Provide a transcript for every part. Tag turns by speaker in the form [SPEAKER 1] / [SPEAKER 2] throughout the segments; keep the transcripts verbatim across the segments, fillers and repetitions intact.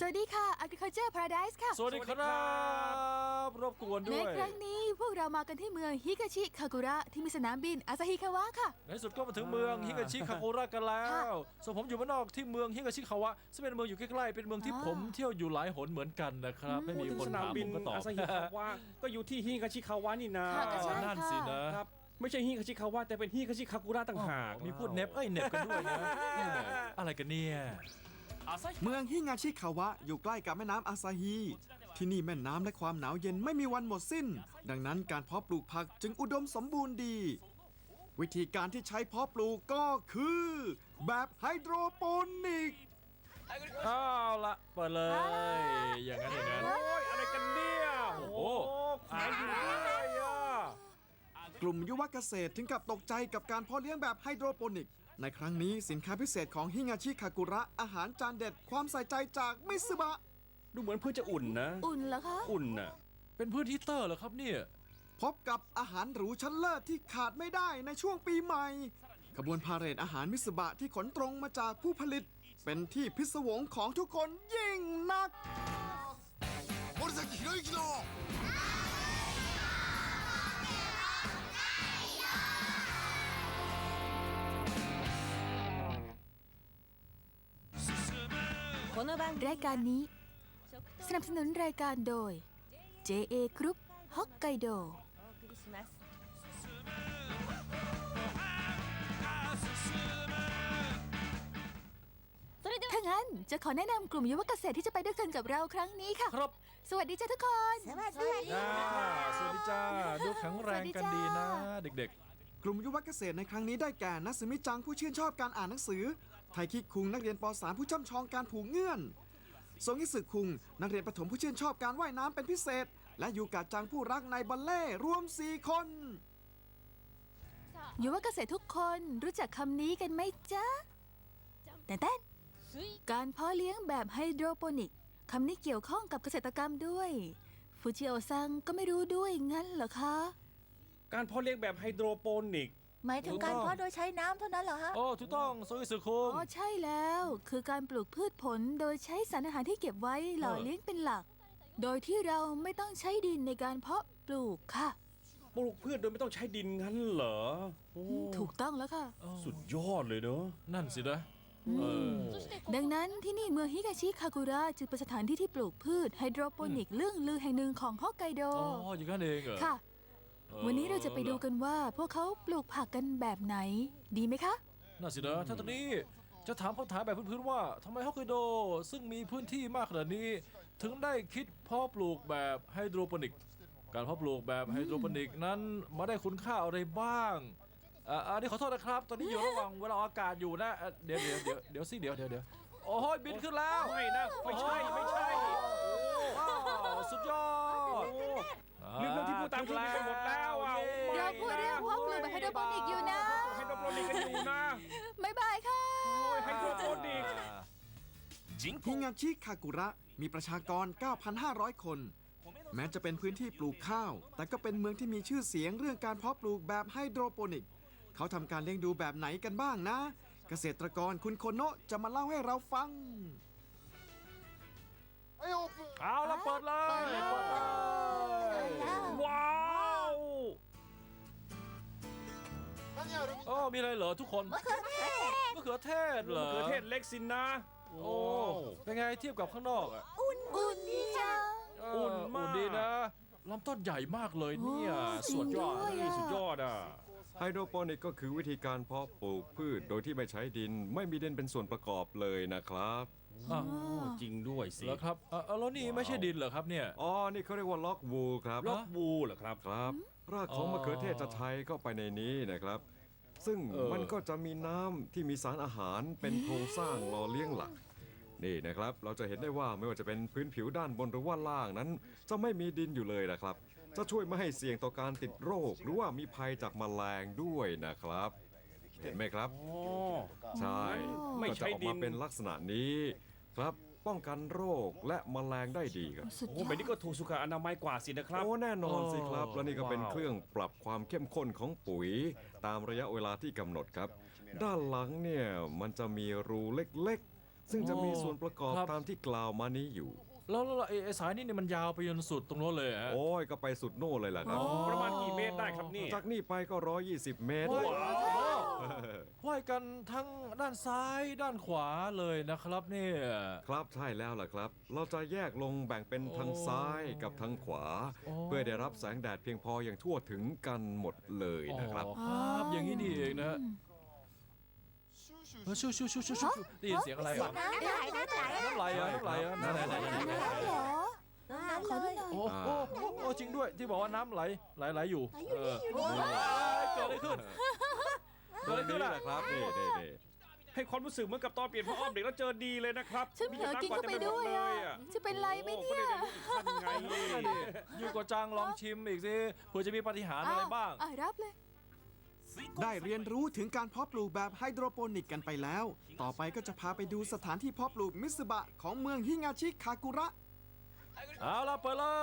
[SPEAKER 1] วัสดีค่ะ Agriculture Paradise ค่ะ
[SPEAKER 2] สวัสดีครับรบกวนด้
[SPEAKER 1] ใน
[SPEAKER 2] วย
[SPEAKER 1] ครั้งนี้พวกเรามากันที่เมืองฮิกาชิคากุระที่มีสนามบินอาซาฮิคาวะค่ะ
[SPEAKER 2] ในที่สุดก็มาถึงเมืองฮิกาชิคาโกระกันแล้
[SPEAKER 1] ค่ะ
[SPEAKER 2] วส่วนผมอยู่บ้านนอกที่เมืองฮิกาชิคาวะซึ่งเป็นเมืองอยู่ใกล้ๆเป็นเมืองที่
[SPEAKER 1] อ่า
[SPEAKER 2] ผมเที่ยวอยู่หลายหนเหมือนกันนะครับไม่มี
[SPEAKER 3] พูดถึง
[SPEAKER 2] คน
[SPEAKER 3] สนาม
[SPEAKER 2] ถาม
[SPEAKER 3] บิ
[SPEAKER 2] ผ
[SPEAKER 3] น
[SPEAKER 2] มก็ตอบ
[SPEAKER 3] อาซาฮิคาวะก็อยู่ที่ฮิคาชิคาวะนี่นา
[SPEAKER 1] ค่ะก็ใช่
[SPEAKER 2] นั่นสินะ
[SPEAKER 3] ครับไม่ใช่ฮิคาชิคาวะแต่เป็นฮิคาชิคากุระต่างหาก
[SPEAKER 2] มีพูดเน็บเอ้ยเน็บกันด้วยนะอะไรกันเนี่ย
[SPEAKER 4] เมืองฮิงาชิคาวะอยู่ใกล้กับแม่น้ำอาซาฮี ที่นี่แม่น้ำและความหนาวเย็นไม่มีวันหมดสิ้น ดังนั้นการเพาะปลูกผักจึงอุดมสมบูรณ์ดี วิธีการที่ใช้เพาะปลูกก็คือ แบบไฮโดรโปนิก
[SPEAKER 2] เอาละเปิดเลย อย่างนั้นอย่างนั้น
[SPEAKER 3] โอ้ยอะไรกันเนี่ยโอ้โหแขวนอยู่เลยอ่ะ
[SPEAKER 4] กลุ่มยุวเกษตรถึงกับตกใจกับการเพาะเลี้ยงแบบไฮโดรโปนิก ในครั้งนี้สินค้าพิเศษของฮิงาชิคากุระอาหารจานเด็ดความใส่ใจจากมิซึบะ
[SPEAKER 3] ดูเหมือนเพื่อจะอุ่นนะ
[SPEAKER 1] อุ่นเหรอคะ
[SPEAKER 3] อุ่นน่ะ
[SPEAKER 2] เป็นพื้นที่เตอร์เหรอครับเนี่ย
[SPEAKER 4] พบกับอาหารหรูชั้นเลิศที่ขาดไม่ได้ในช่วงปีใหม่ ขบวนพาเหรดอาหารมิสบะที่ขนตรงมาจากผู้ผลิต เป็นที่พิศวงของทุกคนยิ่งนัก
[SPEAKER 5] 森崎博之の
[SPEAKER 1] รายการนี้สนับสนุนรายการโดย เจ เอ Group ฮอกไกโดถ้างั้นจะขอแนะนำกลุ่มยุวเกษตรที่จะไปด้วยกันกับเราครั้งนี้ค่ะ
[SPEAKER 2] ครับ
[SPEAKER 1] สวัสดีจ้าทุกคน สวัสดี
[SPEAKER 2] อ่าสวัสดีจ้าดูแข็งแรงกันดีนะ เด็ก
[SPEAKER 4] กลุ่มยุวเกษตรในครั้งนี้ได้แก่นัสมิจังผู้ชื่นชอบการอ่านหนังสือ ไทคิคุงนักเรียนป .สาม ผู้ช่ำชองการผูกเงื่อนซงอิสึคุงนักเรียนประถมผู้ชื่นชอบการว่ายน้ำเป็นพิเศษ และยูกะจังผู้รักในบัลเล่ต์รวมสี่คน
[SPEAKER 1] ยุวเกษตรทุกคนรู้จักคำนี้กันไหมจ๊ะแต่เต้นการเพาะเลี้ยงแบบไฮโดรโปนิกคำนี้เกี่ยวข้องกับเกษตรกรรมด้วยฟูจิโอซังก็ไม่รู้ด้วยงั้นเหรอคะ
[SPEAKER 3] การเพาะเลี้ยงแบบไฮโดรโปนิก
[SPEAKER 6] หมายถึงการเพาะโดยใช้น้ำเท่านั้นเหรอฮะ
[SPEAKER 2] ๆ โอ้ถูกต้องโซอิสึคุง
[SPEAKER 1] อ๋อใช่แล้ว คือการปลูกพืชผลโดยใช้สารอาหารที่เก็บไว้หล่อเลี้ยงเป็นหลัก โดยที่เราไม่ต้องใช้ดินในการเพาะปลูกค่ะ
[SPEAKER 3] ปลูกพืชโดยไม่ต้องใช้ดินงั้นเหรอโอ้
[SPEAKER 1] ถูกต้องแล้วค่ะ
[SPEAKER 3] สุดยอดเลยเนอะ
[SPEAKER 2] นั่นสินะเออ
[SPEAKER 1] ดังนั้นที่นี่เมืองฮิกาชิคากุระจึงเป็นสถานที่ที่ปลูกพืชไฮโดรโปนิกเรื่องลือแห่งหนึ่งของฮอกไกโด
[SPEAKER 2] อ๋ออย่างนั้นเองเหรอ
[SPEAKER 1] ค่ะ
[SPEAKER 2] ออ
[SPEAKER 1] วันนี้เราจะไปดูกันว่าพวกเขาปลูกผักกันแบบไหน ดีไหมคะ
[SPEAKER 2] น่าสินะถ้าตอนนี้จะถามคำถามแบบพื้นๆว่าทำไมฮอกไกโดซึ่งมีพื้นที่มากขนาดนี้ ถึงได้คิดเพาะปลูกแบบไฮโดรโปนิก การเพาะปลูกแบบไฮโดรโปนิกนั้นมาได้คุณค่าอะไรบ้างอ่าอันนี้ขอโทษนะครับ ตอนนี้อยู่ระหว่างเวลาอากาศอยู่นะอ่ะเดี๋ยวเดี๋ยวเดี๋ยวเดี๋ยวสิเดี๋ยวเดี๋ยวเดี๋ยวโอ้ยบินขึ้นแล้ว
[SPEAKER 3] ไม่นะไม่ใช่ไม่ใช่
[SPEAKER 2] ว้าวสุดยอด
[SPEAKER 3] ลืมเรื่องที่พูดตามที่ไปหมดแล้วอ่ะ
[SPEAKER 1] เราพูดเรื่องเพาะปลูกแบบไฮโดรโปนิกอยู่นะ
[SPEAKER 3] ไฮโดรโปนิกกันอยู่นะ
[SPEAKER 1] บ๊ายบายค่ะ
[SPEAKER 3] โอ้ยไฮโดรโปนิก
[SPEAKER 4] ฮิงาชิคากุระมีประชากร เก้าพันห้าร้อย คน แม้จะเป็นพื้นที่ปลูกข้าว แต่ก็เป็นเมืองที่มีชื่อเสียงเรื่องการเพาะปลูกแบบไฮโดรโปนิก เขาทำการเลี้ยงดูแบบไหนกันบ้างนะ เกษตรกรคุณโคโนะจะมาเล่าให้เราฟัง
[SPEAKER 5] はいオープン
[SPEAKER 2] เอาละเปิดเลยเปิดเลย
[SPEAKER 3] ว้าว
[SPEAKER 5] 何ある
[SPEAKER 2] โอ้มีอะไรเหรอทุกคนมะเขือเทศมะเขือเทศเหรอ
[SPEAKER 3] มะเขือเทศเล็กสินนะ
[SPEAKER 2] โอ้เป็นไงเทียบกับข้างนอกอ่ะ
[SPEAKER 1] อุ่นอุ่นดีจัง
[SPEAKER 2] เ
[SPEAKER 3] อุ่นมาก
[SPEAKER 2] อุ่นดีนะลำต้นใหญ่มากเลยเนี่ย
[SPEAKER 1] โอ้
[SPEAKER 2] สุดยอด
[SPEAKER 1] จริงด้วย
[SPEAKER 3] นี่สุดยอดอ่ะ
[SPEAKER 7] ไฮโดรโปนิกก็คือวิธีการเพาะปลูกพืชโดยที่ไม่ใช้ดินไม่มีดินเป็นส่วนประกอบเลยนะครับ
[SPEAKER 2] อ่ะ
[SPEAKER 3] จริงด้วยสิ
[SPEAKER 2] แล้วครับเอ่อเอ่อแล้วนี่ไม่ใช่ดินเหรอครับเนี่ย
[SPEAKER 7] อ๋อ นี่เขาเรียกว่าล็อกวูลครับ
[SPEAKER 3] ล็อกวูเหรอครับ
[SPEAKER 7] ครับ รากของ
[SPEAKER 2] อ๋อ
[SPEAKER 7] มะเขือเทศจะใช้เข้าไปในนี้นะครับ ซึ่ง
[SPEAKER 2] เออ
[SPEAKER 7] มันก็จะมีน้ำที่มีสารอาหารเป็นโครงสร้างหล่อเลี้ยงหลัก นี่นะครับ เราจะเห็นได้ว่าไม่ว่าจะเป็นพื้นผิวด้านบนหรือว่าล่างนั้น จะไม่มีดินอยู่เลยนะครับ จะช่วยไม่ให้เสี่ยงต่อการติดโรค หรือว่ามีภัยจากแมลงด้วยนะครับ เห็นไหมครับ
[SPEAKER 3] อ๋อ
[SPEAKER 7] ใช่
[SPEAKER 3] ไม่
[SPEAKER 7] ก็
[SPEAKER 3] ใช้
[SPEAKER 7] จะออก
[SPEAKER 3] ดิ
[SPEAKER 7] มาน เป็นลักษณะนี้ครับ ป้องกันโรคและแมลงได้ดีครับ
[SPEAKER 1] สุด
[SPEAKER 3] โอ้
[SPEAKER 1] ยอ
[SPEAKER 3] แบบ
[SPEAKER 1] ด
[SPEAKER 3] นี้ก็ถูกสุขอนามัยกว่าสินะครับ
[SPEAKER 7] โอ้แน่นอนสิครับ
[SPEAKER 3] อ๋อ
[SPEAKER 7] และนี่ก็เป็น
[SPEAKER 3] ว้าว
[SPEAKER 7] เครื่องปรับความเข้มข้นของปุ๋ย ตามระยะเวลาที่กำหนดครับ ด้านหลังเนี่ยมันจะมีรูเล็กซึ่งจะมีส่วนประกอบ
[SPEAKER 2] ครับ
[SPEAKER 7] ตามที่กล่าวมานี้อยู่
[SPEAKER 2] แล้วแล้วแล้วไอ้ไอ้สายนี่เนี่ยมันยาวไปจนสุดตรงโน้นเลยฮะ
[SPEAKER 7] โอ้ยก็ไปสุดโน่นเลยล่ะครับ
[SPEAKER 3] ประมาณกี่เมตรได้ครับนี่
[SPEAKER 7] จากนี่ไปก็ ร้อยยี่สิบ เมตร
[SPEAKER 2] ว้าวว่ายกันทั้งด้านซ้ายด้านขวาเลยนะครับเนี่ย
[SPEAKER 7] ครับใช่แล้วล่ะครับ เราจะแยกลงแบ่งเป็นทาง
[SPEAKER 2] โอ้
[SPEAKER 7] ซ้ายกับทางขวา
[SPEAKER 2] โอ้
[SPEAKER 7] เพื่อได้รับแสงแดดเพียงพออย่างทั่วถึงกันหมดเลยนะครับ
[SPEAKER 2] อ๋อครับอย่างนี้นี่เองนะฮะเออชูชูชูชูชูได้ยินเสียงอะไรเหรอ
[SPEAKER 6] น้ำไหลน้ำไหล
[SPEAKER 2] น้ำไหลอ่ะน้ำไหลอ่ะไหนไหนไหนไหนไหนไหน
[SPEAKER 1] น้ำเหรอ
[SPEAKER 6] น้ำ
[SPEAKER 1] ขอ
[SPEAKER 6] เล
[SPEAKER 1] ดู
[SPEAKER 6] ย
[SPEAKER 1] หน่อย
[SPEAKER 2] โอ้โหโอ้โหจริงด้วยที่บอกว่าน้ำไหลไหลไหลอยู่เออเฮ้ยเกิดอะไรขึ้น
[SPEAKER 7] โดยนี้แหละครับนี่นี่นี่
[SPEAKER 3] ให้ความรู้สึกเหมือนกับตอนเปลี่ยนผ้าอ้อมเด็กแล้วเจอดีเลยนะครับ
[SPEAKER 1] ฉันเผลอกินเข้าไปด้วยอ่ะ จะเป็นไรไหม
[SPEAKER 3] โอ้
[SPEAKER 1] เนี่
[SPEAKER 3] ก็
[SPEAKER 1] ย
[SPEAKER 3] ได้รู้อีกขั้นไง
[SPEAKER 2] นั่นดิอยู่กับจังลองชิมอีกสิเผื่อจะมีปาฏิหาริย์อะไรบ้าง
[SPEAKER 1] อ่ะรับเลย
[SPEAKER 4] ได้เรียนรู้ถึงการเพาะปลูกแบบไฮโดรโปนิกกันไปแล้ว ต่อไปก็จะพาไปดูสถานที่เพาะปลูกมิสึบะของเมืองฮิงาชิคากุระ
[SPEAKER 2] เอาละเปิดเลย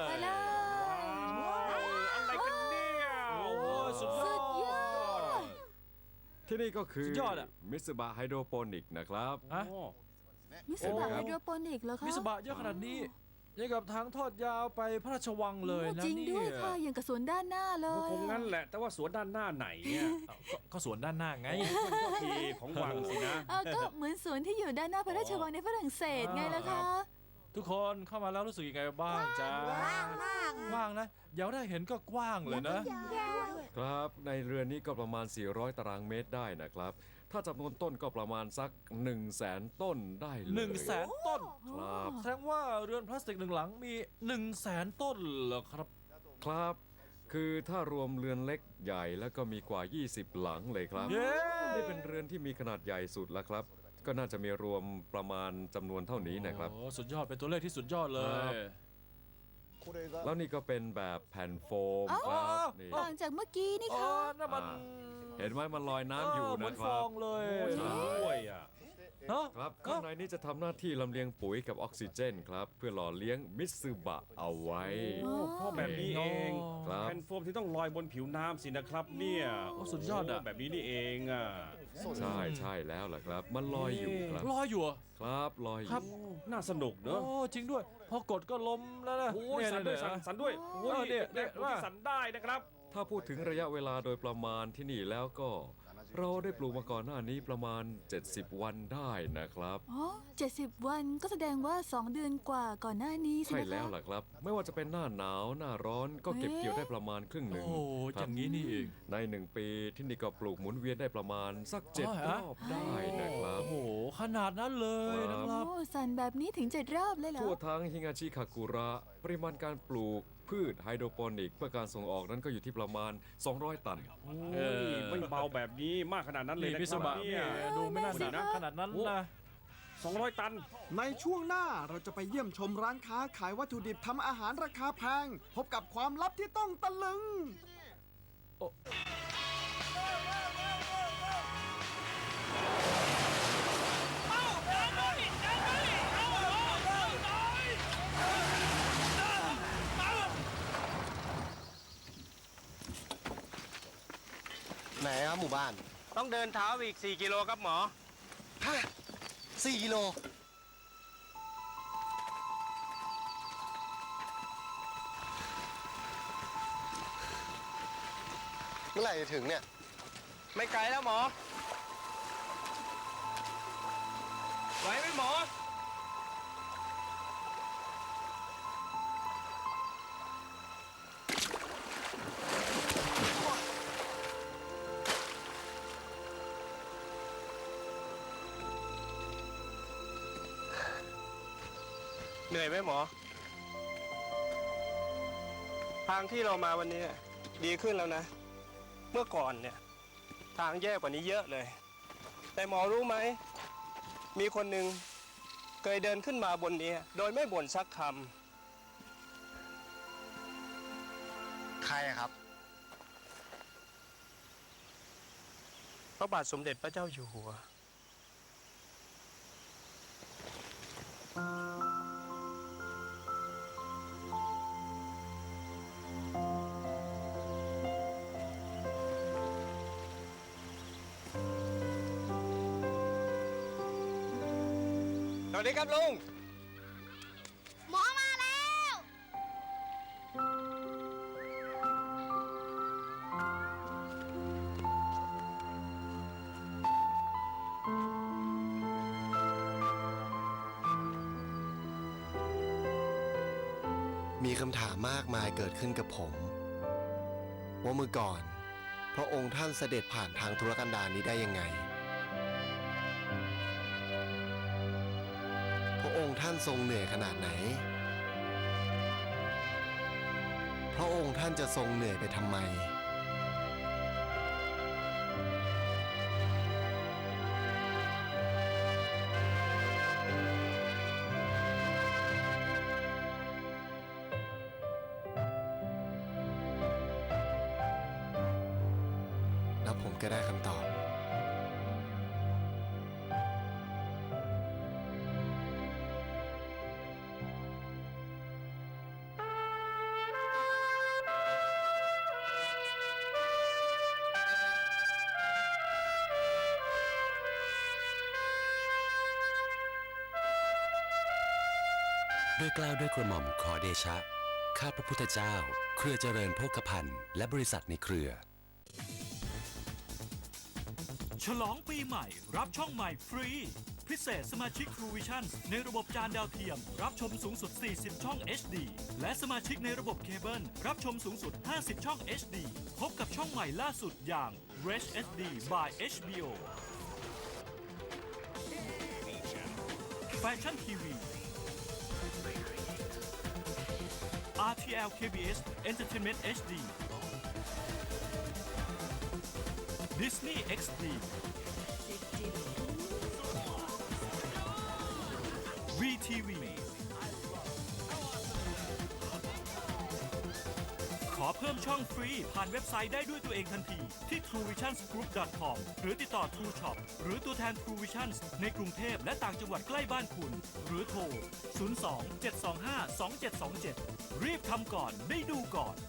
[SPEAKER 1] ไปเลย
[SPEAKER 3] ว้าวอะไรกันเนี่ย
[SPEAKER 2] โอ้โหสุดยอ
[SPEAKER 1] สุ
[SPEAKER 2] ด
[SPEAKER 1] ดยอด
[SPEAKER 7] ที่นี่ก็คือ
[SPEAKER 2] สุดยอดอะ
[SPEAKER 7] มิสบะไฮโดรโปนิกนะครับ
[SPEAKER 2] ฮะ
[SPEAKER 3] โอ้
[SPEAKER 1] มิสบะ
[SPEAKER 7] โอ้
[SPEAKER 1] ไฮโดรโปนิกเหรอคะ
[SPEAKER 2] มิสบะเยอะขนาดนี้ยังกับทางทอดยาวไปพระราชวังเลยนะ
[SPEAKER 1] โอ้จริง
[SPEAKER 2] เนี่
[SPEAKER 1] ด้วย
[SPEAKER 2] ย
[SPEAKER 1] ค่ะ อย่างกับสวนด้านหน้าเล
[SPEAKER 3] ก็
[SPEAKER 1] ย
[SPEAKER 3] คงงั้นแหละ แต่ว่าสวนด้านหน้าไหนเนี่ย
[SPEAKER 2] อ้าวก็ก็สวนด้านหน้าไง
[SPEAKER 3] มันก็ทีของวังสินะ
[SPEAKER 1] เออก็เหมือนสวนที่อยู่ด้านหน้าพระราชวังในฝรั่งเศสไงล่ะคะ
[SPEAKER 2] ทุกคนเข้ามาแล้วรู้สึกยังไงบ้างจ๊ะ
[SPEAKER 6] ว่างมาก
[SPEAKER 2] กว้างนะอย่าได้เห็นก็กว้างเลยนะ
[SPEAKER 7] ครับ ในเรือนนี้ก็ประมาณ สี่ร้อย ตารางเมตรได้นะครับ ถ้าจำนวนต้นก็ประมาณสัก 1 0 0 0 0แสนต้นได้เลย
[SPEAKER 2] หนึ่งแสนต้น
[SPEAKER 7] ครับ
[SPEAKER 2] แสดงว่าเรือนพลาสติกหนึ่งหลังมีหนึ่งแสนต้นเหรอครับ
[SPEAKER 7] ครับ คือถ้ารวมเรือนเล็กใหญ่แล้วก็มีกว่า ยี่สิบ หลังเลยครับ
[SPEAKER 2] เย้
[SPEAKER 7] นี่เป็นเรือนที่มีขนาดใหญ่สุดแล้วครับ ก็น่าจะมีรวมประมาณจำนวนเท่านี้นะครับ
[SPEAKER 2] โอ้สุดยอดเป็นตัวเลขที่สุดยอดเล
[SPEAKER 7] ครั
[SPEAKER 2] ย
[SPEAKER 7] บ แล้วนี่ก็เป็นแบบแผ่นโฟม
[SPEAKER 1] อ๋อ
[SPEAKER 7] ครับนี่
[SPEAKER 1] ต่างจากเมื่อกี้นี่
[SPEAKER 2] อ๋อ
[SPEAKER 1] ค่ะ
[SPEAKER 2] นั่นมัน
[SPEAKER 7] อ่า เห็นไหมมันลอยน้ำอยู่
[SPEAKER 2] เหมื
[SPEAKER 7] นะ
[SPEAKER 2] อน
[SPEAKER 7] ค
[SPEAKER 2] ฟ
[SPEAKER 7] รั
[SPEAKER 2] อบ งเลย
[SPEAKER 7] ใช่
[SPEAKER 3] ด้วยอ่ะ
[SPEAKER 2] ฮะ
[SPEAKER 7] ครับข้างในนี้จะทำหน้าที่ลำเลียงปุ๋ยกับออกซิเจนครับ เพื่อหล่อเลี้ยงมิตซึบะเอาไว้
[SPEAKER 3] โอ้พ่อแบบนี้เอง
[SPEAKER 7] ครับ
[SPEAKER 3] แผ่นโฟมที่ต้องลอยบนผิวน้ำสินะครับเนี่ย
[SPEAKER 2] โอ้สุดยอดอะ
[SPEAKER 3] โแบบนี้นี่เองอ่ะ
[SPEAKER 7] ใช่ใช่แล้วล่ะครับ มันลอยอยู่ครับ
[SPEAKER 2] ลอยอยู่เหรอ
[SPEAKER 7] ครับลอยอ
[SPEAKER 2] ครั
[SPEAKER 7] ยู่
[SPEAKER 2] บ
[SPEAKER 3] น่าสนุกเนอะ
[SPEAKER 2] โอ้จริงด้วย พอกดก็ล้มแล้วนะ
[SPEAKER 3] โอ้ย
[SPEAKER 2] เ
[SPEAKER 3] สั่นด้วย
[SPEAKER 2] เ
[SPEAKER 3] สั่นสั่นด้วยโอ้ย
[SPEAKER 2] เนี่ยเนี่
[SPEAKER 3] เนี่ย
[SPEAKER 2] ย
[SPEAKER 3] ผมที่สั่นได้นะครับ
[SPEAKER 7] ถ้าพูดถึงระยะเวลาโดยประมาณที่นี่แล้วก็ เราได้ปลูกมาก่อนหน้านี้ประมาณ เจ็ดสิบ วันได้นะครับ
[SPEAKER 1] อ๋อเจ็ดสิบวันก็แสดงว่าสองเดือนกว่าก่อนหน้านี้ใช่
[SPEAKER 7] ใช่
[SPEAKER 1] ไหม
[SPEAKER 7] แล้ว
[SPEAKER 1] คะ
[SPEAKER 7] ล่ะครับ ไม่ว่าจะเป็นหน้าหนาวหน้าร้อนก็เก็บ
[SPEAKER 1] เอ๊ะ
[SPEAKER 7] เกี่ยวได้ประมาณครึ่งหนึ่ง
[SPEAKER 2] โอ้
[SPEAKER 7] ค
[SPEAKER 2] อ
[SPEAKER 7] รับ
[SPEAKER 2] ย่างนี้นี่เอง
[SPEAKER 7] ในหนึ่งปีที่นี่ก็ปลูกหมุนเวียนได้ประมาณสักเจ็ด
[SPEAKER 2] อ๋อ
[SPEAKER 7] ร
[SPEAKER 2] ฮะ
[SPEAKER 7] อบได้นะครับ
[SPEAKER 2] โอ้โหขนาดนั้นเลยนะครับ
[SPEAKER 1] โอ้สั่นแบบนี้ถึงเจ็ดรอบเลยเหรอ
[SPEAKER 7] ทั่วทั้งฮิงาชิคากุระ ปริมาณการปลูกพืชไฮโดรโปนิกเพื่อการส่งออกนั้นก็อยู่ที่ประมาณ สองร้อย ตัน
[SPEAKER 3] โอ้ยไม่เบาแบบนี้มากขนาดนั้นเลย
[SPEAKER 2] นี่
[SPEAKER 3] นะ
[SPEAKER 2] มิ
[SPEAKER 3] ค
[SPEAKER 2] ส
[SPEAKER 3] รับ
[SPEAKER 2] บะ
[SPEAKER 3] เนี่
[SPEAKER 2] เนี่ย ยดูไม่น่าหนักขนาดนั้นนะ
[SPEAKER 3] สองร้อยตัน
[SPEAKER 4] ในช่วงหน้าเราจะไปเยี่ยมชมร้านค้าขายวัตถุดิบทำอาหารราคาแพง พบกับความลับที่ต้องตะลึง
[SPEAKER 5] ไหนครับหมู่บ้าน
[SPEAKER 3] ต้องเดินเท้าอีก สี่ กิโลครับหมอ
[SPEAKER 5] ฮะสี่กิโล เมื่อไหร่จะถึงเนี่ย
[SPEAKER 3] ไม่ไกลแล้วหมอ ไหวไหมหมอ
[SPEAKER 8] เหนื่อยไหมหมอ ทางที่เรามาวันนี้ดีขึ้นแล้วนะ เมื่อก่อนเนี่ย ทางแย่กว่านี้เยอะเลย แต่หมอรู้ไหม มีคนหนึ่งเคยเดินขึ้นมาบนนี้ โดยไม่บ่นสักค
[SPEAKER 5] ใครอะครับ
[SPEAKER 8] ำพระบาทสมเด็จพระเจ้าอยู่หัว
[SPEAKER 5] วัสดีครับลุง
[SPEAKER 6] หมอมาแล้ว
[SPEAKER 5] มีคำถามมากมายเกิดขึ้นกับผม ว่าเมื่อก่อน พระองค์ท่านเสด็จผ่านทางธุรกันดารนี้ได้ยังไง พระองค์ท่านทรงเหนื่อยขนาดไหน พระองค์ท่านจะทรงเหนื่อยไปทำไม แล้วผมก็ได้คำตอบ
[SPEAKER 9] ด้วยเกล้าวด้วยกระหม่อมขอเดชะ ข้าพระพุทธเจ้า เครือเจริญโภคภัณฑ์และบริษัทในเครือ
[SPEAKER 10] ฉลองปีใหม่รับช่องใหม่ฟรี พิเศษสมาชิก True Vision ในระบบจานดาวเทียม รับชมสูงสุด สี่สิบ ช่อง เอช ดี และสมาชิกในระบบเคเบิลรับชมสูงสุด ห้าสิบ ช่อง เอช ดี พบกับช่องใหม่ล่าสุดอย่าง Rich เอช ดี by เอช บี โอ Fashion ที วี อาร์ ที แอล เค บี เอส Entertainment เอช ดี Disney เอ็กซ์ ดี วี ที วี ขอเพิ่มช่องฟรีผ่านเว็บไซต์ได้ด้วยตัวเองทันทีที่ ทรูวิชั่นส์กรุ๊ป ดอท คอม หรือติดต่อ True Shop หรือตัวแทน True Vision ในกรุงเทพและต่างจังหวัดใกล้บ้านคุณ หรือโทร ศูนย์ สอง เจ็ด สอง ห้า สอง เจ็ด สอง เจ็ด รีบทำก่อนได้ดูก่อน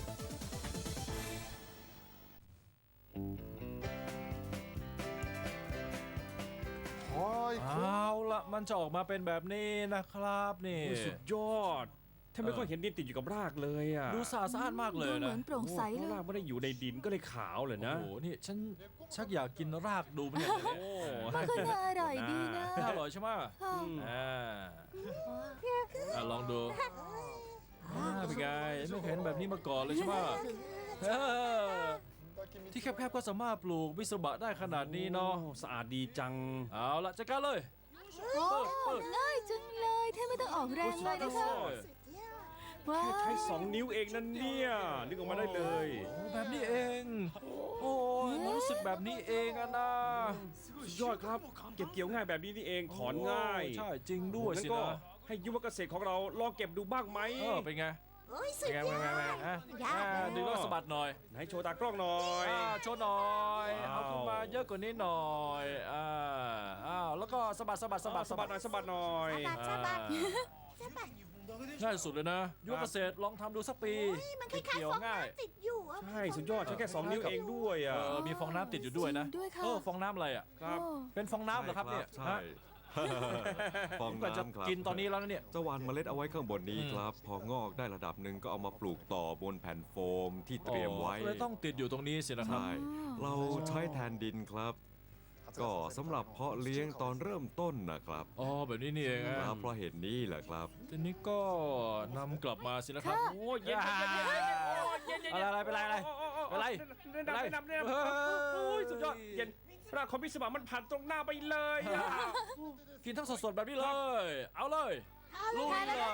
[SPEAKER 2] เอาละมันจะออกมาเป็นแบบนี้นะครับนี่
[SPEAKER 3] โอ้ยสุดยอดแทบไม่ค่อยเห็นดินติดอยู่กับรากเลยอ่ะ
[SPEAKER 2] ดูสะอาดสะอ้านมากเล
[SPEAKER 1] ดู
[SPEAKER 2] ย
[SPEAKER 1] เหมื
[SPEAKER 2] นะ
[SPEAKER 1] อนโปร่งใส
[SPEAKER 3] เพ
[SPEAKER 1] เล
[SPEAKER 3] ราะ
[SPEAKER 1] ย
[SPEAKER 3] รากไม่ได้อยู่ในดินก็เลยขาวเลยนะ
[SPEAKER 2] โอ้โหนี่ฉันชักอยากกินรากดูมันเนี่ย
[SPEAKER 3] โอ้
[SPEAKER 1] มันก็น่าอร่อยดีนะ
[SPEAKER 2] น่าอร่อยใช่ไหม
[SPEAKER 1] ค่ะ
[SPEAKER 2] อ่าอ่ะลองดูอ่าเป็นไงไม่เคยเห็นแบบนี้มาก่อนเลยใช่ไหมเออที่แคบๆก็สามารถปลูกมิสบะได้ขนาดนี้เนาะ
[SPEAKER 3] โอ้สะอาดดีจัง
[SPEAKER 2] เอาละจัดการเลย
[SPEAKER 1] โอ้ง่ายจังเลยแทบไม่ต้องออกแรงเลยนะคะ ว้า
[SPEAKER 3] แค่
[SPEAKER 1] ว
[SPEAKER 3] ใช้สองนิ้วเองนั่นเนี่ยนึกออกมาได้เลย
[SPEAKER 2] โอ้แบบนี้เอง โอ้ยมันรู้สึกแบบนี้เองอะนะ
[SPEAKER 3] สุดยอดครับ เก็บเกี่ยวง่ายแบบนี้นี่เองถอนง่าย
[SPEAKER 2] โอ้ใช่จริงด้วย
[SPEAKER 3] งั้
[SPEAKER 2] สิ
[SPEAKER 3] นก็
[SPEAKER 2] นะ
[SPEAKER 3] ให้ยุวเกษตรของเราลองเก็บดูบ้างไหม
[SPEAKER 2] เออเป็นไง
[SPEAKER 6] โอ้ยสุ
[SPEAKER 2] เป็
[SPEAKER 6] ด
[SPEAKER 2] นไง
[SPEAKER 6] ย
[SPEAKER 2] เป็น
[SPEAKER 6] อ
[SPEAKER 2] ไง
[SPEAKER 6] ด
[SPEAKER 2] เป็นไงฮะ
[SPEAKER 6] ยาก
[SPEAKER 2] อ่า
[SPEAKER 6] เลย
[SPEAKER 2] ดึงแล้วก็สะบัดหน่อย
[SPEAKER 3] ไหนโชว์ตากล้องหน่อย
[SPEAKER 2] อ่าโชว์หน่อย
[SPEAKER 3] ว้าว
[SPEAKER 2] เอาขึ้นมาเยอะกว่านี้หน่อยอ่าอ้าวแล้วก็สะบัดสะบัดสะบัด
[SPEAKER 3] สะบัดหน่อยสะบัดหน่อย
[SPEAKER 6] สะบัดสะบัดสะบัด
[SPEAKER 2] ง่ายสุดเลยนะยุวเกษตรลองทำดูสักปี
[SPEAKER 6] เฮ้ยมันคล้าย
[SPEAKER 2] เกี่
[SPEAKER 6] ๆ
[SPEAKER 2] ยว
[SPEAKER 6] ฟอง
[SPEAKER 2] ง่าย
[SPEAKER 6] น้ำติดอยู่อะ
[SPEAKER 3] ใช่สุดยอดใช้แค่สองนิ้วเองด้วย
[SPEAKER 2] เอ
[SPEAKER 3] อ่ะ
[SPEAKER 2] อมีฟองน้ำติดอยู่ด้วยนะ
[SPEAKER 1] จริงด้วยค่ะ
[SPEAKER 2] เออฟองน้ำอะไรอ่ะ
[SPEAKER 3] ครับ
[SPEAKER 1] โอ้
[SPEAKER 2] เป็นฟองน้ำเหรอครับเนี่ย
[SPEAKER 7] ใช่
[SPEAKER 2] ฮะ
[SPEAKER 7] ฟอง
[SPEAKER 2] ผมก็จะ
[SPEAKER 7] น้ำครับ
[SPEAKER 2] กินตอนนี้แล้วนะเนี่ย
[SPEAKER 7] จะหวานเมล็ดเอาไว้ข้างบนนี้
[SPEAKER 2] อืม
[SPEAKER 7] ครับ พองอกได้ระดับหนึ่งก็เอามาปลูกต่อบนแผ่นโฟมที่เตรียมไว้
[SPEAKER 2] อ๋อเลยต้องติดอยู่ตรงนี้สินะครับ
[SPEAKER 7] ใช่ เราใช้แทนดินครับ ก็สำหรับเพาะเลี้ยงตอนเริ่มต้นนะครับ
[SPEAKER 2] อ๋อแบบนี้นี่เอง
[SPEAKER 7] ค
[SPEAKER 2] อะ
[SPEAKER 7] รับเพราะเหตุนี้แหละครับ
[SPEAKER 2] ทีนี้ก็นำกลับมาสินะครับ
[SPEAKER 3] โอ้ยเย็นเย็นเย็นเย็นเย็นเย็น
[SPEAKER 2] อะไรอะไรเป็นไรอะไร เป็นไร
[SPEAKER 3] แนะนำแนะนำแนะนำโอ้ยสุดยอดเย็นรากของพิศวามันผ่านตรงหน้าไปเลยอะ
[SPEAKER 2] กินทั้งสดๆแบบนี้เลย เอาเลย
[SPEAKER 6] เอาเล
[SPEAKER 2] ลุ
[SPEAKER 6] ย
[SPEAKER 2] ยเลย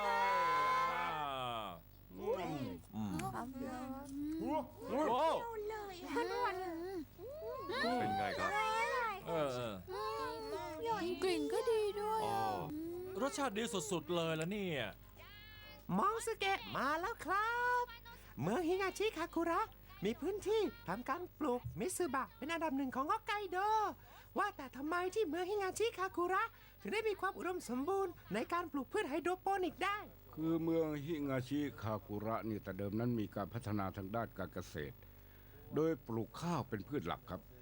[SPEAKER 7] อืม
[SPEAKER 2] โอ้
[SPEAKER 6] เอาเลยอะ
[SPEAKER 7] เป็นไงครับ
[SPEAKER 2] เออเออ
[SPEAKER 1] กลิ่นก็ดีด้วย
[SPEAKER 7] อ๋อ
[SPEAKER 2] รสชาติดีสุดๆเลยแล้วเนี่ย
[SPEAKER 11] มองสเกะมาแล้วครับ เมืองฮิงาชิคาคุระ มีพื้นที่ทำการปลูกมิซึบะเป็นอันดับหนึ่งของฮอกไกโด ว่าแต่ทำไมที่เมืองฮิงาชิคาคุระ ถึงได้มีความอุดมสมบูรณ์ในการปลูกพืชไฮโดรโปนิกได้
[SPEAKER 12] คือเมืองฮิงาชิคากุระนี่แต่เดิมนั้นมีการพัฒนาทางด้านการเกษตร โดยปลูกข้าวเป็นพืชหลักครับ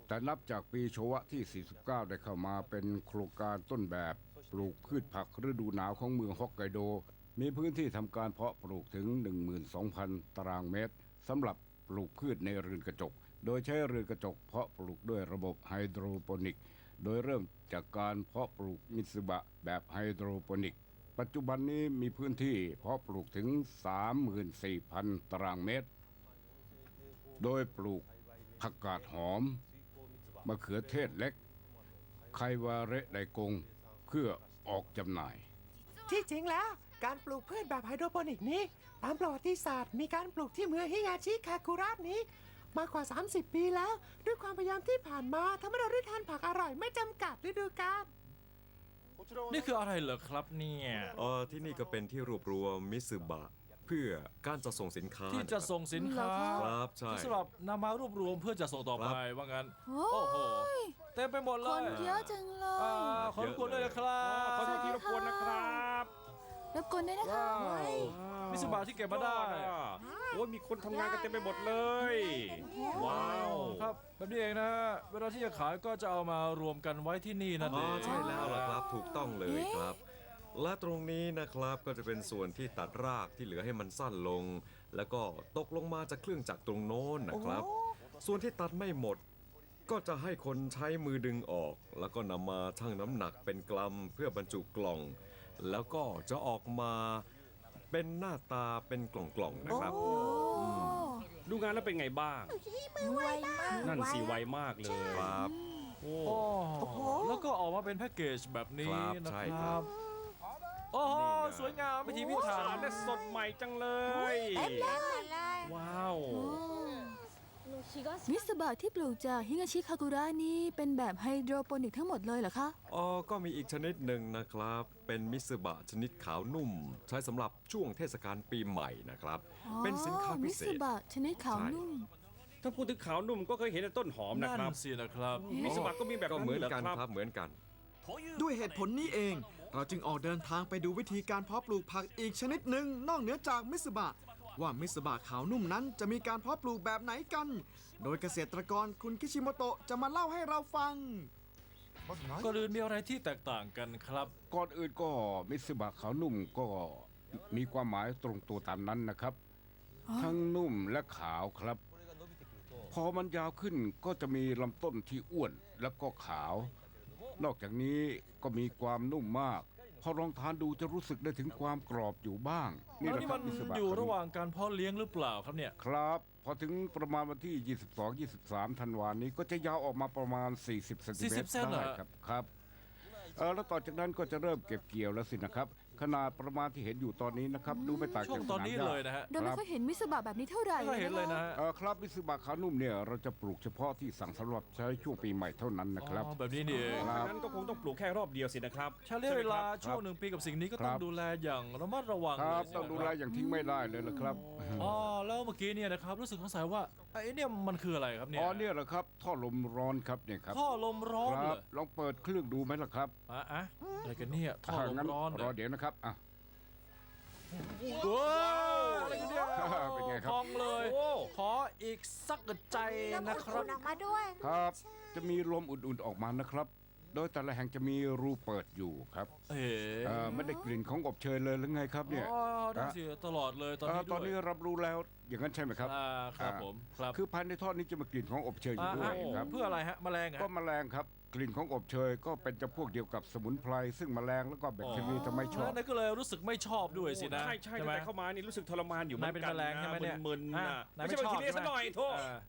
[SPEAKER 12] แต่นับจากปีโชวะที่ สี่สิบเก้า ได้เข้ามาเป็นโครงการต้นแบบปลูกพืชผักฤดูหนาวของเมืองฮอกไกโด มีพื้นที่ทำการเพาะปลูกถึง หนึ่งหมื่นสองพัน ตารางเมตรสำหรับปลูกพืชในเรือนกระจก โดยใช้เรือนกระจกเพาะปลูกด้วยระบบไฮโดรโปนิก โดยเริ่มจากการเพาะปลูกมิตสึบะแบบไฮโดรโปนิก ปัจจุบันนี้มีพื้นที่เพาะปลูกถึง สามหมื่นสี่พัน ตารางเมตร โดยปลูกผักกาดหอมมะเขือเทศเล็ก ไควาเระไดกงเพื่อออกจำหน่าย
[SPEAKER 11] ที่จริงแล้วการปลูกพืชแบบไฮโดรโปนิกนี้ ตามประวัติศาสตร์มีการปลูกที่เมืองฮิงาชิคาคุระนี้ มากกว่า สามสิบ ปีแล้ว ด้วยความพยายามที่ผ่านมาทำให้เราได้ทานผักอร่อยไม่จำกัดฤดูกาล
[SPEAKER 2] นี่คืออะไรเหรอครับเนี่ย
[SPEAKER 7] เออที่นี่ก็เป็นที่รวบรวมมิสึบะเพื่อการจะส่งสินค้า
[SPEAKER 2] ที่จะส่งสินค้า
[SPEAKER 7] ครับใช่
[SPEAKER 2] ที่สำหรับนำมารวบรวมเพื่อจะส่งต่อไปว่างั้น
[SPEAKER 1] โอ้
[SPEAKER 2] โอ้โห
[SPEAKER 1] ย
[SPEAKER 2] เต็มไปหมดเล
[SPEAKER 1] คน
[SPEAKER 2] ย
[SPEAKER 1] เยอะจังเล
[SPEAKER 2] อ่าย ขอบคุณด้วยนะครับ
[SPEAKER 3] ขอโทษทีรบกวนนะครับ
[SPEAKER 1] รบกวนด้วยนะคะ
[SPEAKER 2] มิสบาที่เก็บมาได้
[SPEAKER 3] โอ้ยมีคนทำงานกันเต็มไปหมดเลย ว้าว
[SPEAKER 2] ครับแบบนี้เองนะฮะเวลาที่จะขายก็จะเอามารวมกันไว้ที่นี่นั่น
[SPEAKER 7] อ๋
[SPEAKER 2] เอ
[SPEAKER 7] อง ใช่แล้วล่ะครับถูกต้องเลยครับ และตรงนี้นะครับก็จะเป็นส่วนที่ตัดรากที่เหลือให้มันสั้นลง แล้วก็ตกลงมาจากเครื่องจักรตรงโน้นนะครับ ส่วนที่ตัดไม่หมด ก็จะให้คนใช้มือดึงออก แล้วก็นำมาชั่งน้ำหนักเป็นกรัมเพื่อบรรจุกล่อง แล้วก็จะออกมาเป็นหน้าตาเป็นกล่องๆนะครับ
[SPEAKER 3] ดูงานแล้วเป็นไงบ้าง
[SPEAKER 6] ไวมาก
[SPEAKER 3] นั่นสิไวมากเลย
[SPEAKER 7] ครับ
[SPEAKER 3] โอ้
[SPEAKER 2] โอ้แล้วก็ออกมาเป็นแพ็กเกจแบบนี้
[SPEAKER 7] ครับ
[SPEAKER 2] นะ
[SPEAKER 7] ใช่
[SPEAKER 2] ค
[SPEAKER 7] ครั
[SPEAKER 2] รับ
[SPEAKER 7] บ
[SPEAKER 2] โอ้โห
[SPEAKER 7] นี่ไง
[SPEAKER 2] สวยงามพิธีพิ
[SPEAKER 3] โอ้
[SPEAKER 2] ถั
[SPEAKER 3] สะอาด
[SPEAKER 2] น
[SPEAKER 3] และสดใหม่จังเลย
[SPEAKER 6] เต็มเลย
[SPEAKER 3] ว้าว
[SPEAKER 1] มิสบะที่ปลูกจากฮิงาชิคากุระนี่เป็นแบบไฮโดรโปนิกทั้งหมดเลยเหรอคะ
[SPEAKER 7] อ๋อก็มีอีกชนิดหนึ่งนะครับ เป็นมิสึบะชนิดขาวนุ่ม ใช้สำหรับช่วงเทศกาลปีใหม่นะครับ
[SPEAKER 1] อ๋อ
[SPEAKER 7] เป็นสินค้าพิเศ
[SPEAKER 1] มิส
[SPEAKER 7] ษ
[SPEAKER 1] บะชนิดขาว
[SPEAKER 7] ใช่
[SPEAKER 1] นุ่ม
[SPEAKER 3] ถ้าพูดถึงขาวนุ่มก็เคยเห็นในต้นหอมนะ
[SPEAKER 2] นั่น
[SPEAKER 3] ครับ
[SPEAKER 2] สินะครับ
[SPEAKER 3] มิสบะก็มีแบบ
[SPEAKER 7] ก็
[SPEAKER 3] นั้น
[SPEAKER 7] เหมือน
[SPEAKER 3] เหรอ
[SPEAKER 7] กัน
[SPEAKER 3] ครับ
[SPEAKER 7] ครับเหมือนกัน
[SPEAKER 4] ด้วยเหตุผลนี้เอง เราจึงออกเดินทางไปดูวิธีการเพาะปลูกผักอีกชนิดหนึ่งนอกเหนือจากมิสบะว่ามิสบะขาวนุ่มนั้นจะมีการเพาะปลูกแบบไหนกัน โดยเกษตรกรคุณคิชิโมโตะจะมาเล่าให้เราฟัง
[SPEAKER 2] ก็อื่นมีอะไรที่แตกต่างกันครับ
[SPEAKER 12] ก่อนอื่นก็มิตสึบะขาวนุ่มก็มีความหมายตรงตัวตามนั้นนะครับ ทั้งนุ่มและขาวครับ พอมันยาวขึ้นก็จะมีลำต้นที่อ้วนแล้วก็ขาว นอกจากนี้ก็มีความนุ่มมาก พอลองทานดูจะรู้สึกได้ถึงความกรอบอยู่บ้าง
[SPEAKER 2] แล้ว
[SPEAKER 12] แหละ
[SPEAKER 2] นี่
[SPEAKER 12] ครั
[SPEAKER 2] มั
[SPEAKER 12] บ
[SPEAKER 2] น
[SPEAKER 12] มิตสึบะ
[SPEAKER 2] อยู่
[SPEAKER 12] ขาว
[SPEAKER 2] ระ
[SPEAKER 12] นุ่
[SPEAKER 2] ห
[SPEAKER 12] ม
[SPEAKER 2] ว่างการเพาะเลี้ยงหรือเปล่าครับเนี่ย
[SPEAKER 12] ครับ พอถึงประมาณวันที่ ยี่สิบสอง ยี่สิบสาม ธันวานี้ก็จะยาวออกมาประมาณ สี่สิบ เซนติเมต
[SPEAKER 2] สี่สิ
[SPEAKER 12] ร
[SPEAKER 2] บเซนเหรอ
[SPEAKER 12] ได้ครับครับเออแล้วต่อจากนั้นก็จะเริ่มเก็บเกี่ยวแล้วสินะครับ ขนาดประมาณที่เห็นอยู่ตอนนี้นะครับ ดูไม่ต่าง
[SPEAKER 2] ช่ว
[SPEAKER 12] จาก
[SPEAKER 2] ง
[SPEAKER 12] ส
[SPEAKER 2] ตอน
[SPEAKER 12] นาม
[SPEAKER 2] นี้
[SPEAKER 12] หญ้า
[SPEAKER 2] เลยนะฮะ
[SPEAKER 1] เราไม่ค่อยเห็นมิสบะแบบนี้เท่าไหร่
[SPEAKER 2] ไม่เคยเห็นเลยนะฮะ
[SPEAKER 12] เออครับมิสึบะขาวนุ่มเนี่ยเราจะปลูกเฉพาะที่สั่งสำหรับใช้ช่วงปีใหม่เท่านั้นนะครับ
[SPEAKER 2] อ๋อแบบนี้นี่เอง
[SPEAKER 12] ครับ
[SPEAKER 3] งั้นก็คงต้องปลูกแค่รอบเดียวสินะครับ
[SPEAKER 2] ใช้ระยะเวลา
[SPEAKER 3] ใช่ไหมครับ
[SPEAKER 2] ช่วงหนึ่งปีกับสิ่งนี้ก็
[SPEAKER 12] ครั
[SPEAKER 2] ต้อง
[SPEAKER 12] บ
[SPEAKER 2] ดูแลอย่างระมัดระวัง
[SPEAKER 12] ค
[SPEAKER 2] เล
[SPEAKER 12] รับ
[SPEAKER 2] ยสิ
[SPEAKER 12] ต้องดูแลอย่างทิ้งไม่ได้เลยละครับ
[SPEAKER 2] อ๋อแล้วเมื่อกี้เนี่ยนะครับรู้สึกสงสัยว่าไอ้เนี่ยมันคืออะไรครับเนี่ย
[SPEAKER 12] อ๋อเนี่ยแหละครับท่อลมร้อนครับเนี่ยครับ
[SPEAKER 2] ท่อลมร้อน
[SPEAKER 12] ค
[SPEAKER 2] เหร
[SPEAKER 12] รั
[SPEAKER 2] อบ
[SPEAKER 12] ลองเปิดเครื่องดูไหมล่ะครับ
[SPEAKER 2] อ่ะอ่ะอะไรกันเนี่ยท่อลม
[SPEAKER 12] งั้น
[SPEAKER 2] ร้อน
[SPEAKER 12] รอเดี๋ยวนะครับอ่ะ
[SPEAKER 2] ว้าวอะไรกันเนี่ย
[SPEAKER 12] เป็นไงครับ
[SPEAKER 2] พองเลย
[SPEAKER 3] โอ้
[SPEAKER 2] ขออีกสักใจ
[SPEAKER 6] แล้ว
[SPEAKER 2] นะ
[SPEAKER 6] มัน
[SPEAKER 2] ครับ
[SPEAKER 6] อุ่นออกมาด้วย
[SPEAKER 12] ครับ จะมีลมอุ่นๆออกมานะครับ โดยแต่ละแห่งจะมีรูเปิดอยู่ครับ
[SPEAKER 2] เอ๋
[SPEAKER 12] เอ่อไม่ได้กลิ่นของอบเชยเลยหรือไงครับเนี่ย
[SPEAKER 2] อ๋อได้สิตลอดเลยตอน
[SPEAKER 12] เอ่อ
[SPEAKER 2] นี้
[SPEAKER 12] ต
[SPEAKER 2] ด้
[SPEAKER 12] อ
[SPEAKER 2] วน ย
[SPEAKER 12] นี้รับรู้แล้วอย่างนั้นใช่ไหมครับ
[SPEAKER 2] อ่าครับ
[SPEAKER 12] อ่า
[SPEAKER 2] ผมครับ
[SPEAKER 12] คือภายในท่อนี้จะมีกลิ่นของอบเชยอยู่ด้วย
[SPEAKER 2] อ่า
[SPEAKER 12] ครับ
[SPEAKER 2] เพื่ออะไรฮะแมลงอะ
[SPEAKER 12] ก็แมลงครับ กลิ่นของอบเชยก็เป็นจำพวกเดียวกับสมุนไพรซึ่งแมลงแล้วก็แบคทีเรียจะไม่ชอบ
[SPEAKER 2] แล้วนายก็เลยรู้สึกไม่ชอบด้วยสินะ
[SPEAKER 3] ใช่ใช่
[SPEAKER 2] ไหม
[SPEAKER 3] แต่เข้ามานี่รู้สึกทรมานอยู่เหมื
[SPEAKER 2] นา
[SPEAKER 3] อย น
[SPEAKER 2] เป็น
[SPEAKER 3] กัน
[SPEAKER 2] แมลงใช่ไหมเนี่ย
[SPEAKER 3] มึนๆ
[SPEAKER 2] อ่ะ
[SPEAKER 3] นะ
[SPEAKER 2] นาย
[SPEAKER 3] ไม่
[SPEAKER 2] ไม่
[SPEAKER 3] ใช่
[SPEAKER 2] ช
[SPEAKER 3] แบ
[SPEAKER 2] อบ
[SPEAKER 3] คทีเรียซะหน่อยโทษ
[SPEAKER 2] อ่า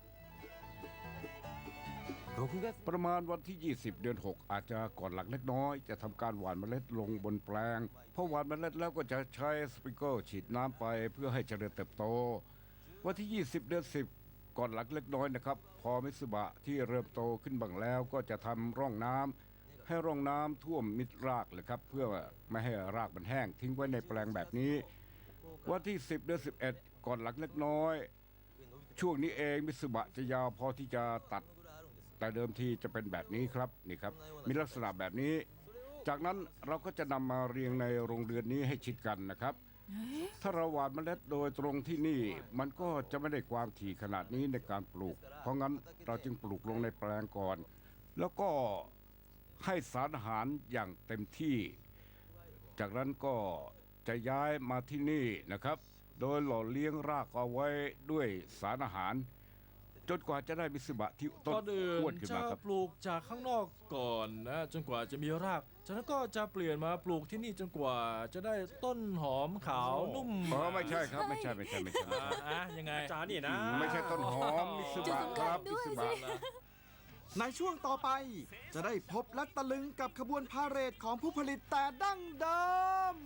[SPEAKER 12] ประมาณวันที่ ยี่สิบ เดือน หก อาจจะก่อนหลังเล็กน้อย จะทำการหว่านเมล็ดลงบนแปลงพอหว่านเมล็ดแล้วก็จะใช้สปริงเกิลฉีดน้ำไปเพื่อให้เจริญเติบโต วันที่ ยี่สิบ เดือน สิบ ก่อนหลังเล็กน้อยนะครับ พอมิสึบะที่เริ่มโตขึ้นบ้างแล้วก็จะทำร่องน้ำให้ร่องน้ำท่วมมิดรากเลยครับ เพื่อไม่ให้รากมันแห้งทิ้งไว้ในแปลงแบบนี้ วันที่ สิบ เดือน สิบเอ็ด ก่อนหลังเล็กน้อย ช่วงนี้เองมิสึบะจะยาวพอที่จะตัด แต่เดิมทีจะเป็นแบบนี้ครับนี่ครับมีลักษณะแบบนี้ จากนั้นเราก็จะนำมาเรียงในโรงเรือนนี้ให้ชิดกันนะครับถ้าเราหว่านเมล็ดโดยตรงที่นี่ มันก็จะไม่ได้ความถี่ขนาดนี้ในการปลูก เพราะงั้นเราจึงปลูกลงในแปลงก่อน แล้วก็ให้สารอาหารอย่างเต็มที่ จากนั้นก็จะย้ายมาที่นี่นะครับ โดยหล่อเลี้ยงรากเอาไว้ด้วยสารอาหาร จนกว่าจะได้มิสบะที่ต้น
[SPEAKER 2] ก่อนอื่
[SPEAKER 12] อ้วน
[SPEAKER 2] น
[SPEAKER 12] ขึ้น
[SPEAKER 2] จะ
[SPEAKER 12] มาครับ
[SPEAKER 2] ปลูกจากข้างนอกก่อนนะจนกว่าจะมีราก จากนั้นก็จะเปลี่ยนมาปลูกที่นี่จนกว่าจะได้ต้นหอมขาวนุ่ม
[SPEAKER 12] อ๋อไม่ใช่ครับไม่ใช่ไม่ใช่ไม่ใช่
[SPEAKER 2] อ่าอ่ะยังไง
[SPEAKER 3] อาจารย์นี่นะ
[SPEAKER 12] ไม่ใช่ต้นหอมมิส
[SPEAKER 1] จุด
[SPEAKER 12] บะ
[SPEAKER 1] สำ
[SPEAKER 12] ค
[SPEAKER 1] คัญ
[SPEAKER 12] รับ
[SPEAKER 1] ด้
[SPEAKER 12] มิ
[SPEAKER 1] วย
[SPEAKER 12] ส
[SPEAKER 1] สิ
[SPEAKER 12] บะ
[SPEAKER 4] ในช่วงต่อไปจะได้พบและตะลึงกับขบวนพาเหรดของผู้ผลิตแต่ดั้งเดิม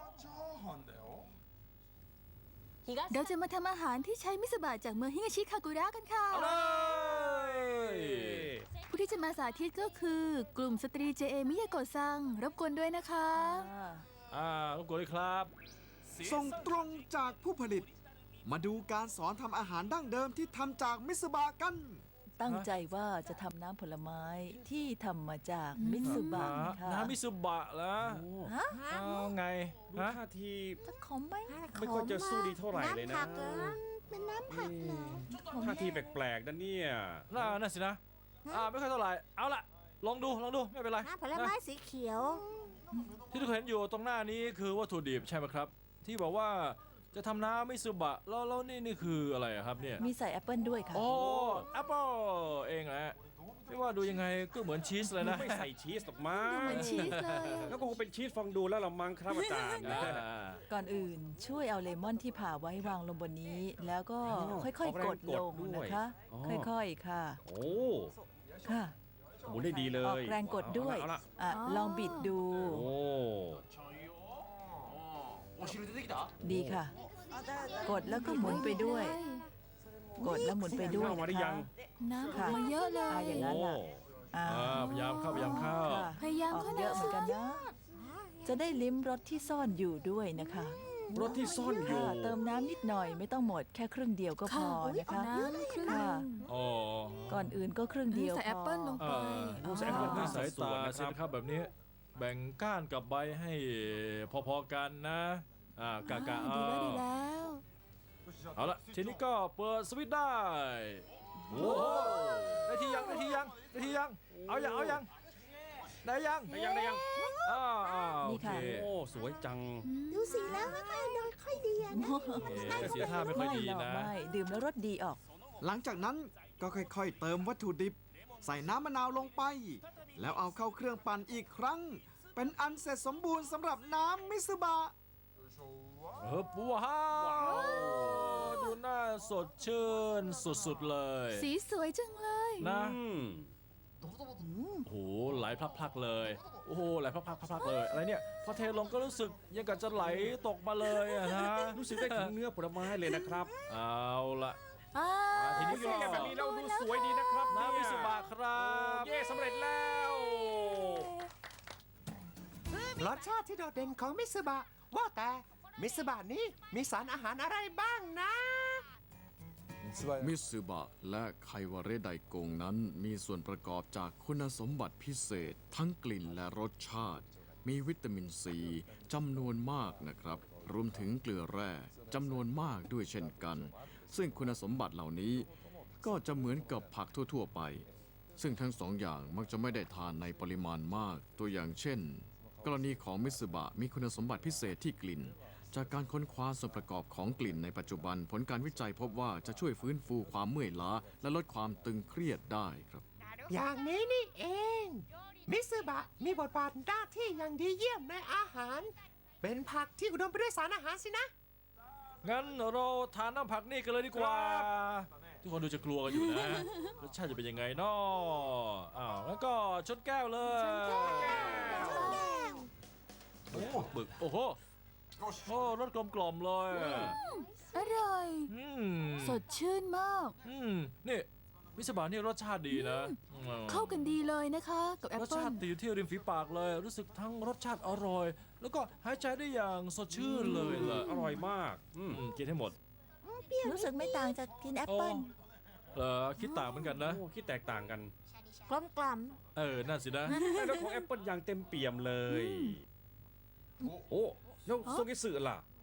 [SPEAKER 1] เราจะมาทำอาหารที่ใช้มิสบะจากเมืองฮิงาชิคากุระกันค่ะ
[SPEAKER 2] เอาเลย
[SPEAKER 1] ผู้ที่จะมาสาธิตก็คือกลุ่มสตรี เจ เอ มิยาโกะซัง รบกวนด้วยนะคะ
[SPEAKER 2] อ่ารบกวนเลยครับ
[SPEAKER 4] ส่งตรงจากผู้ผลิต มาดูการสอนทำอาหารดั้งเดิมที่ทำจากมิสบะกัน
[SPEAKER 13] ตั้งใจว่าจะทำน้ำผลไม้ที่ทำมาจากมิตสึบะค่ะ
[SPEAKER 2] น้ำมิสุบะแล้ว
[SPEAKER 13] ฮะ
[SPEAKER 2] เอาไง
[SPEAKER 3] ดู
[SPEAKER 2] ฮะ
[SPEAKER 3] ท่าที
[SPEAKER 13] จะขมไหม
[SPEAKER 3] ไม่ค่อยจะสู้ดีเท่าไหร่เลยนะ
[SPEAKER 6] น้ำผักเหรอเป็นน้ำผักเหรอ
[SPEAKER 3] ท่าทีแปลกๆนะเนี่ย
[SPEAKER 2] น่าน่าสินะ อ่าไม่ค่อยเท่าไหร่ เอาล่ะ ลองดู ลองดู ไม่เป็นไร
[SPEAKER 6] น้ำผลไม้
[SPEAKER 2] นะ
[SPEAKER 6] สีเขียว
[SPEAKER 2] ที่ทุกคนเห็นอยู่ตรงหน้านี้คือวัตถุดิบใช่ไหมครับ ที่บอกว่าจะทำน้ำมิสุบะ แล้วแล้วนี่นี่คืออะไรอะครับเนี่ย
[SPEAKER 13] มีใส่แอปเปิลด้วยค่ะ
[SPEAKER 2] โอ้แอปเปิลเองแหละไม่ว่าดูยังไงก็เหมือนชีสเลยนะ
[SPEAKER 3] ไม่ใส่ชีสหรอกมั้ง
[SPEAKER 1] เหมือนชีสเลยอะ
[SPEAKER 3] แล้วก็คงเป็นชีสฟองดูแล้วละมั้งครับอาจารย์
[SPEAKER 2] อ่า
[SPEAKER 13] ก่อนอื่นช่วยเอาเลมอนที่ผ่าไว้วางลงบนนี้ แล้วก็ค่อยๆ กดลงนะคะ ค่อยๆ ค่ะ
[SPEAKER 3] โอ้
[SPEAKER 13] ค่ะ
[SPEAKER 3] หมุนได้ดีเล
[SPEAKER 13] ออก
[SPEAKER 3] ย
[SPEAKER 13] แรงกดด้วย
[SPEAKER 3] เอาละ
[SPEAKER 13] อ่ะลองบิดดู
[SPEAKER 3] โอ้
[SPEAKER 13] ดีค่ะ กดแล้วก็หมุนไปด้วย กดแล้วหมุนไปด้วย
[SPEAKER 3] เข้ามา
[SPEAKER 13] นะ
[SPEAKER 3] ได้ยั
[SPEAKER 13] คะ
[SPEAKER 3] ง
[SPEAKER 1] น้ำออกมาเยอะเล
[SPEAKER 13] อ่ะ
[SPEAKER 1] ย
[SPEAKER 13] อย่างนั้นล่ะอ่า
[SPEAKER 2] อ่าพยายามเข้าพยายามเข้า
[SPEAKER 13] ค่ะ
[SPEAKER 1] พยายาม
[SPEAKER 13] ออก
[SPEAKER 1] เข้า
[SPEAKER 13] เยอะ
[SPEAKER 1] นะ
[SPEAKER 13] เหมือนกันนะ จะได้ลิ้มรสที่ซ่อนอยู่ด้วยนะคะ
[SPEAKER 3] รถที่ซ่อนอยู่
[SPEAKER 13] ค่ะเติมน้ำนิดหน่อยไม่ต้องหมดแค่ครึ่งเดียวก็พอนะคะ
[SPEAKER 1] น้ำครึ่ง
[SPEAKER 13] ค่ะ
[SPEAKER 2] อ๋อ
[SPEAKER 13] ก่อนอื่นก็ครึ่งเดียว
[SPEAKER 1] ใส่แอปเปิ้ลลง
[SPEAKER 2] เอ
[SPEAKER 1] ไป
[SPEAKER 2] อใส่แอปเปิลที่สาย
[SPEAKER 3] ส่ว
[SPEAKER 2] ตาน
[SPEAKER 3] นะครับ
[SPEAKER 2] สินะครับแบบนี้ แบ่งก้านกับใบให้พอๆกันนะ อ่ากะกะ
[SPEAKER 1] อ่าดีแล้วดี
[SPEAKER 2] เอา
[SPEAKER 1] แล้ว
[SPEAKER 2] เอาละทีนี้ก็เปิดสวิตช์ได้ โอ้โหได้ทียังได้ทียังได้ทียัง เอายังเอายัง ได้ยัง
[SPEAKER 3] ได้ยังได้ยัง
[SPEAKER 2] อ่าอ่าโอ
[SPEAKER 13] นี่
[SPEAKER 2] เค
[SPEAKER 13] ค่ะ
[SPEAKER 3] โอ้ สวยจัง
[SPEAKER 6] ดูสีแล้วไม่ค่อยโดนค่อยดีอะนะ
[SPEAKER 2] โอเคเสียท่าไม่ค่อยดี
[SPEAKER 13] หรอก
[SPEAKER 2] นะ
[SPEAKER 13] ไม่ดื่มแล้วรสดีออก
[SPEAKER 4] หลังจากนั้นก็ค่อยๆ เติมวัตถุดิบ ใส่น้ำมะนาวลงไป แล้วเอาเข้าเครื่องปั่นอีกครั้ง เป็นอันเสร็จสมบูรณ์สำหรับน้ำมิสบะ
[SPEAKER 2] เฮ้ยว้าวดูน่าสดชื่นสุดๆเลย
[SPEAKER 1] สีสวยจังเลย
[SPEAKER 2] นะ
[SPEAKER 3] อืม
[SPEAKER 2] โอ้โหไหลพลักๆเลย โอ้โหไหลพลักๆพลักๆเลย อะไรเนี่ย พอเทลงก็รู้สึกยังกับจะไหลตกมาเลยอะนะ
[SPEAKER 3] รู้สึกได้ถึงเนื้อผลไม้เลยนะครับ
[SPEAKER 2] เอาละ
[SPEAKER 1] อ่า
[SPEAKER 2] ทีนี้
[SPEAKER 3] รู้สึกแบบนี้เราดูสวยดีนะครับ
[SPEAKER 2] น้ำมิ
[SPEAKER 3] เย
[SPEAKER 2] สุบะครับ
[SPEAKER 3] เย่สำเร็จแล้ว
[SPEAKER 11] รสชาติที่โดดเด่นของมิตสึบะ ว่าแต่มิตสึบะนี้มีสารอาหารอะไรบ้างนะ
[SPEAKER 4] มิสึบะและไควาเรไดโกงนั้นมีส่วนประกอบจากคุณสมบัติพิเศษ ทั้งกลิ่นและรสชาติ มีวิตามินซีจำนวนมากนะครับ รวมถึงเกลือแร่จำนวนมากด้วยเช่นกัน ซึ่งคุณสมบัติเหล่านี้ก็จะเหมือนกับผักทั่วๆไป ซึ่งทั้งสองอย่างมักจะไม่ได้ทานในปริมาณมาก ตัวอย่างเช่น กรณีของมิสึบะมีคุณสมบัติพิเศษที่กลิ่น จากการค้นคว้าส่วนประกอบของกลิ่นในปัจจุบัน ผลการวิจัยพบว่าจะช่วยฟื้นฟูความเมื่อยล้า และลดความตึงเครียดได้ครับ
[SPEAKER 11] อย่างนี้นี่เอง มิตสึบะมีบทบาทหน้าที่อย่างดีเยี่ยมในอาหาร เป็นผักที่อุดมไปด้วยสารอาหารสินะ
[SPEAKER 2] งั้นเราทานน้ำผักนี่กันเลยดีกว่า ทุกคนดูจะกลัวกันอยู่นะ รสชาติจะเป็นยังไงเนาะอ้าวแล้วก็ชนแก้วเลยโอ้โหบึกโอ้โหโอ้รสกลมกล่อมๆเลย
[SPEAKER 1] อร่อย
[SPEAKER 2] อืม
[SPEAKER 1] สดชื่นมาก
[SPEAKER 2] อืมนี่มิสบะนี่รสชาติดีนะอืม
[SPEAKER 1] เข้ากันดีเลยนะคะ กับแอป
[SPEAKER 2] รส
[SPEAKER 1] เปิ้
[SPEAKER 2] ชา
[SPEAKER 1] ล
[SPEAKER 2] ติติดอยู่ที่ริมฝีปากเลย รู้สึกทั้งรสชาติอร่อย แล้วก็หายใจได้อย่างสดชื่นเลยล่ะ
[SPEAKER 3] อร่อยมาก อืม
[SPEAKER 2] อืมกินให้หมด
[SPEAKER 13] รู้สึกไม่ต่างจากกินแอปเปิ้ล
[SPEAKER 2] เออคิดต่างเหมือนกันนะ
[SPEAKER 3] โอ้คิดแตกต่างกัน
[SPEAKER 6] กลมกล่อม
[SPEAKER 2] เออนั่นสินะ
[SPEAKER 3] แต่รสของแอปเปิลอย่างเต็มเปี่ยมเลย โอ้แล้วโซเกสึล่ะ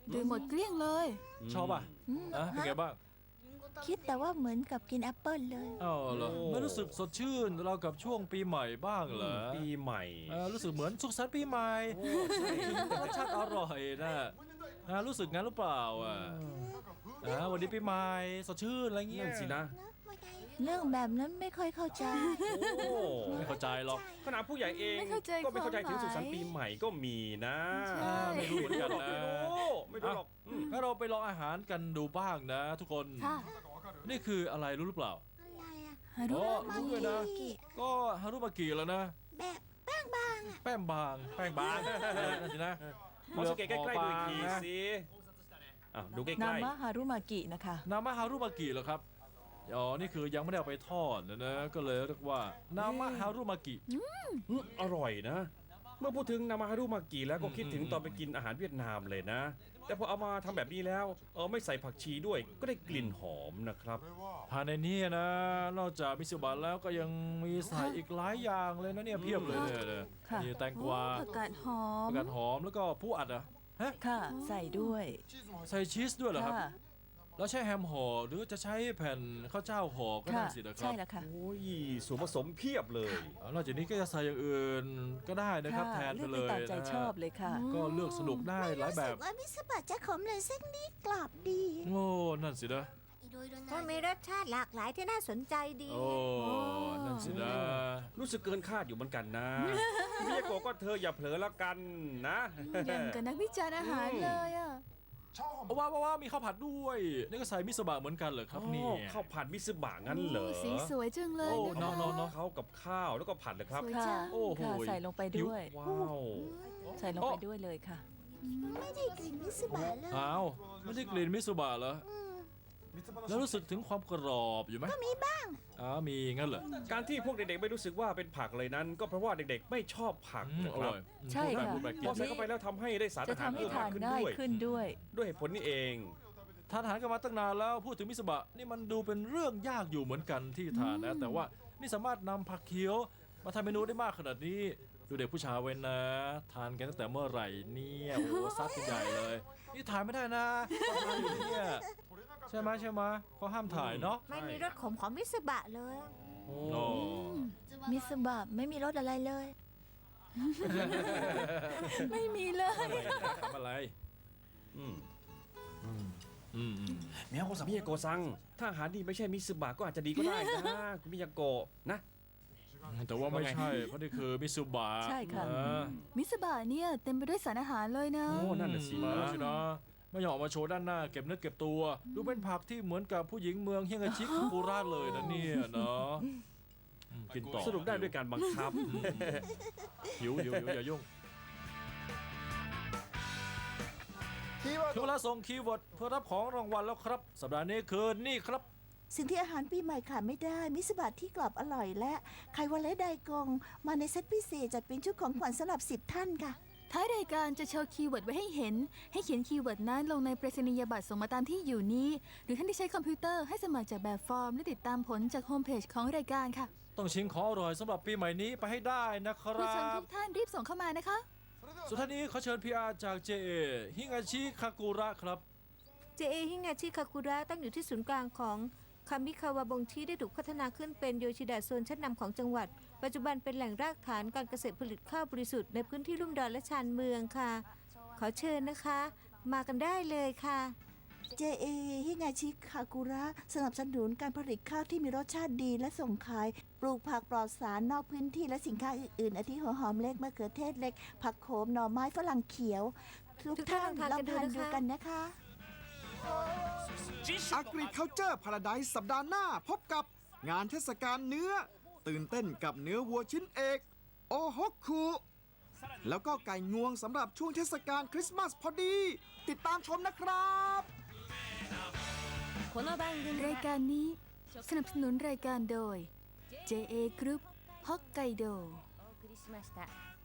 [SPEAKER 1] ดื่มหมดเกลี้ยงเลย
[SPEAKER 2] ชอบป่ะอ่ะเป็นไงบ้าง
[SPEAKER 6] คิดแต่ว่าเหมือนกับกินแอปเปิลเลย
[SPEAKER 2] อ้าวเหรอไม่รู้สึกสดชื่นเรากับช่วงปีใหม่บ้างเหรอ
[SPEAKER 3] ปีใหม่
[SPEAKER 2] เออรู้สึกเหมือนสุขสันต์ปีใหม่รสชาติอร่อยนะอ่ารู้สึกงั้นหรือเปล่าอ่ะอ่าวันนี้ปีใหม่สดชื่นอะไรเงี้ย
[SPEAKER 3] นั่นสินะ
[SPEAKER 6] เรื่องแบบนั้นไม่ค่อยเข้าใจ
[SPEAKER 3] โอ้
[SPEAKER 2] ไม่เข้าใจหรอก
[SPEAKER 3] ขนาดผู้ใหญ่เอง
[SPEAKER 1] ไม่เข้าใจ
[SPEAKER 3] ก็ไม่เข้าใจ
[SPEAKER 1] ความหมาย
[SPEAKER 3] ถึงสุขสันต์ปีใหม่ก็มีนะ
[SPEAKER 1] ใช่
[SPEAKER 2] ไม่รู้เหมือนกันนะ
[SPEAKER 3] ไม่รู้ไม่รู้หรอกอืม
[SPEAKER 2] งั้นเราไปลองอาหารกันดูบ้างนะ ทุกคน
[SPEAKER 1] ค่ะ
[SPEAKER 2] นี่คืออะไรรู้หรือเปล่า
[SPEAKER 6] อะไรอะ
[SPEAKER 1] ฮารุ
[SPEAKER 2] อ๋อ
[SPEAKER 1] มา
[SPEAKER 2] รู้เลยนะ ก็ฮารุมากิแล้วนะ
[SPEAKER 6] แบบแป้งบางอะ
[SPEAKER 2] แป้งบาง แป้งบางนั่นสินะ
[SPEAKER 3] มองสเกตใกล้ๆดูอีกที
[SPEAKER 2] นะ
[SPEAKER 3] สิอ่ะดูใกล้
[SPEAKER 13] นา
[SPEAKER 3] ๆ
[SPEAKER 13] มะฮารุมากินะคะ
[SPEAKER 2] นามะฮารุมากิเหรอครับ อ๋อ นี่คือยังไม่ได้เอาไปทอดนะนะ ก็เลยเรียกว่านามะฮารุมากิ
[SPEAKER 3] อืมอร่อยนะ เมื่อพูดถึงนามาฮารุมากิแล้วก็คิดถึงตอนไปกินอาหารเวียดนามเลยนะ แต่พอเอามาทำแบบนี้แล้วเออไม่ใส่ผักชีด้วย ก็ได้กลิ่นหอมนะครับ
[SPEAKER 2] ภายในนี้นะ นอกจากมิโซบะแล้วก็ยังมีใส่อีกหลายอย่างเลยนะเนี่ยเพียบเลยเนี่ยเนี่ย
[SPEAKER 13] ค่ะ
[SPEAKER 2] มีแตงกวา
[SPEAKER 1] ผักกาดหอม
[SPEAKER 2] ผักกาดหอมแล้วก็ผู้อัดเหรอะฮะ
[SPEAKER 13] ค่ะ ใส่ด้วย
[SPEAKER 2] ใส่ชีสด้วยเหรอครับ
[SPEAKER 13] ค่ะ
[SPEAKER 2] แล้วใช้แฮมห่อหรือจะใช้แผ่นข้าวเจ้าห่อก็ได้
[SPEAKER 13] ค่ะ
[SPEAKER 2] สินะครั
[SPEAKER 13] ใช่
[SPEAKER 2] บ
[SPEAKER 13] แล้วค่ะ
[SPEAKER 3] โอ้ยส่วนผสมเพียบเลย
[SPEAKER 2] อ่านอกจากนี้ก็จะใส่อย่างอื่นก็ได้นะครับ
[SPEAKER 13] ค่ะ
[SPEAKER 2] แทนไป
[SPEAKER 13] เลือก
[SPEAKER 2] เล
[SPEAKER 13] ไป
[SPEAKER 2] ย
[SPEAKER 13] ตามใจ
[SPEAKER 2] นะ
[SPEAKER 13] ชอบเลยค่ะ
[SPEAKER 2] ก็เลือกสนุกได้หลายแบ
[SPEAKER 6] รู้สึ
[SPEAKER 2] บ
[SPEAKER 6] กว่ามิสบะจะขมเลยสักนิดกรอบดี
[SPEAKER 2] โง่นั่นสินะ
[SPEAKER 6] ก็มีรสชาติหลากหลายที่น่าสนใจดี
[SPEAKER 2] โอ้ นั่นสินะ
[SPEAKER 3] รู้สึกเกินคาดอยู่เหมือนกันนะมิยาโกะก็เธออย่าเผลอแล้วกันนะ
[SPEAKER 1] อย่างกับนักวิจารณ์อาหารเลยอ่ะ
[SPEAKER 2] ว้าวว้าวว้าวมีข้าวผัดด้วย นี่ก็ใส่มิโซบะเหมือนกันเหรอครับเนี่ย
[SPEAKER 3] โอ้ข้าวผัดมิซึบะงั้นเหรอ
[SPEAKER 1] สีสวยจังเลย
[SPEAKER 2] โอ้
[SPEAKER 1] นะ
[SPEAKER 2] เนาะ
[SPEAKER 1] คะ
[SPEAKER 2] เนาะเนาะ
[SPEAKER 3] เขากับข้าวแล้วก็ผัดเลยครับ
[SPEAKER 1] สวย
[SPEAKER 13] ค่ะ
[SPEAKER 1] จัง
[SPEAKER 2] โอ้โห
[SPEAKER 13] ค่ะใส่ลงไปด้วย
[SPEAKER 3] ว้าว
[SPEAKER 13] ใส่ลงไปด้วยเลยค่ะ
[SPEAKER 6] ไม่ได้กลิ่นมิสบะเลย
[SPEAKER 2] อ้าวไม่ได้กลิ่นมิโซบะเหรอ แล้วรู้สึกถึงความกรอบอยู่ไหม
[SPEAKER 6] ก็มีบ้าง
[SPEAKER 2] อ๋อมีงั้นเหรอ
[SPEAKER 3] การที่พวกเด็กๆไม่รู้สึกว่าเป็นผักเลยนั้น ก็เพราะว่าเด็กๆไม่ชอบผัก
[SPEAKER 2] อืม
[SPEAKER 3] นะ
[SPEAKER 2] อ
[SPEAKER 3] ครั
[SPEAKER 2] ร่
[SPEAKER 3] บ
[SPEAKER 2] อย
[SPEAKER 13] ใช่
[SPEAKER 2] พูดแบบ
[SPEAKER 13] ค่ะ
[SPEAKER 2] พูดแบบกิน
[SPEAKER 3] พอใส่เข้าไปแล้วทำให้ได้สาร
[SPEAKER 13] จะ
[SPEAKER 3] อาหาร
[SPEAKER 13] ทำให้
[SPEAKER 3] เพิ่ม
[SPEAKER 13] ทาม
[SPEAKER 3] าน กขึ้น
[SPEAKER 13] ง่าย
[SPEAKER 3] ด้วย
[SPEAKER 13] ขึ้นด้วย
[SPEAKER 3] ด้วยเหตุผลนี้เอง
[SPEAKER 2] ทานอาหารกันมาตั้งนานแล้วพูดถึงมิโซบะนี่มันดูเป็นเรื่องยากอยู่เหมือนกันที่ทานนะ แต่ว่านี่สามารถนำผักเขียวมาทำเมนูได้มากขนาดนี้ ดูเด็กผู้ชายไว้นะ ทานกันตั้งแต่เมื่อไหร่เนี่ยโอ้โหซัดกันใหญ่เลย นี่ถ่ายไม่ได้นะต้องทานอยู่เนี่ยใช่ไหมใช่ไหมเขาห้ามถ่ายเนาะ
[SPEAKER 6] ไม่มีรสขมของมิสบะเลย
[SPEAKER 2] โอ้
[SPEAKER 6] มิสบะไม่มีรสอะไรเลย
[SPEAKER 1] ไม่มีเลย
[SPEAKER 2] ทำอะไร
[SPEAKER 3] อืม
[SPEAKER 2] อืมอืม
[SPEAKER 3] มิยาโกะมิยาโกะซังถ้าอาหารดีไม่ใช่มิซึบะก็อาจจะดีก็ได้นะ คุณมิยาโกะนะ
[SPEAKER 2] แต่ว่าไม่ใช่เพราะนี่คือมิโซบะ
[SPEAKER 13] ใช่ค่ะ
[SPEAKER 2] น
[SPEAKER 1] มิสบะเนี่ยเต็มไปด้วยสารอาหารเลยนะ
[SPEAKER 3] โอ้นั่นน่ะสิ
[SPEAKER 2] มาสินะไม่ยอมออกมาโชว์ด้านหน้าเก็บเนื้อเก็บตัว ดูเป็นผักที่เหมือนกับผู้หญิงเมืองเฮียงาชิคากุระเลยนะเนี่ยเนาะอืมกินต่อ
[SPEAKER 3] สรุปได้ด้วยการบังคับ
[SPEAKER 2] หิวหิวหิวอย่ายุ่งถึงเวลาส่งคีย์เวิร์ดเพื่อรับของรางวัลแล้วครับ สัปดาห์นี้คือนี่ครับ
[SPEAKER 6] สิ่งที่อาหารปีใหม่ขาดไม่ได้ มิสบะที่กรอบอร่อยและไข่วันและไดกง มาในเซตพิเศษจัดเป็นชุดของขวัญสำหรับสิบท่านค่ะ
[SPEAKER 1] ท้ายรายการจะโชว์คีย์เวิร์ดไว้ให้เห็น ให้เขียนคีย์เวิร์ดนั้นลงในไปรษณียบัตรส่งมาตามที่อยู่นี้ หรือท่านที่ใช้คอมพิวเตอร์ให้สมัครจากแบบฟอร์มและติดตามผลจากโฮมเพจของรายการค่ะ
[SPEAKER 2] ต้องชิงของอร่อยสำหรับปีใหม่นี้ไปให้ได้นะค
[SPEAKER 1] ผู้
[SPEAKER 2] รั
[SPEAKER 1] ชม
[SPEAKER 2] บ
[SPEAKER 1] ทุกท่านรีบส่งเข้ามานะคะ
[SPEAKER 2] สุดท้ายนี้ขอเชิญ พี อาร์ จาก เจ เอ ฮิงาชิคากุระครับ
[SPEAKER 14] เจ เอ ฮิงาชิคากุระตั้งอยู่ที่ศูนย์กลางของคามิคาวาบงชิได้ถูกพัฒนาขึ้นเป็นโยชิดะโซนชั้นนำของจังหวัด ปัจจุบันเป็นแหล่งรากฐานการเกษตรผลิตข้าวบริสุทธิ์ในพื้นที่ลุ่มดอนและชานเมืองค่ะ ขอเชิญนะคะ มากันได้เลยค่ะ
[SPEAKER 6] เจ เอ ฮิงาชิคากุระสนับสนุนการผลิตข้าวที่มีรสชาติดีและส่งขาย ปลูกผักปลอดสารนอกพื้นที่และสินค้าอื่นๆอาทิหัวหอมเล็กมะเขือเทศเล็ก ผักโขมหน่อไม้ฝรั่งเขียว ทุก
[SPEAKER 14] ทุกท่า
[SPEAKER 6] ท่าน น
[SPEAKER 14] ลองทาน
[SPEAKER 6] ลอง
[SPEAKER 14] กันดู
[SPEAKER 6] ทาน
[SPEAKER 14] นะคะ
[SPEAKER 6] ดูกันนะคะ
[SPEAKER 4] Agriculture Paradise สัปดาห์หน้าพบกับงานเทศกาลเนื้อ ตื่นเต้นกับเนื้อวัวชิ้นเอก โอฮกคุแล้วก็ไก่งวงสำหรับช่วงเทศกาลคริสต์มาสพอดี ติดตามชมนะครับ
[SPEAKER 1] รายการนี้สนับสนุนรายการโดย เจ เอ Group ฮอกไกโด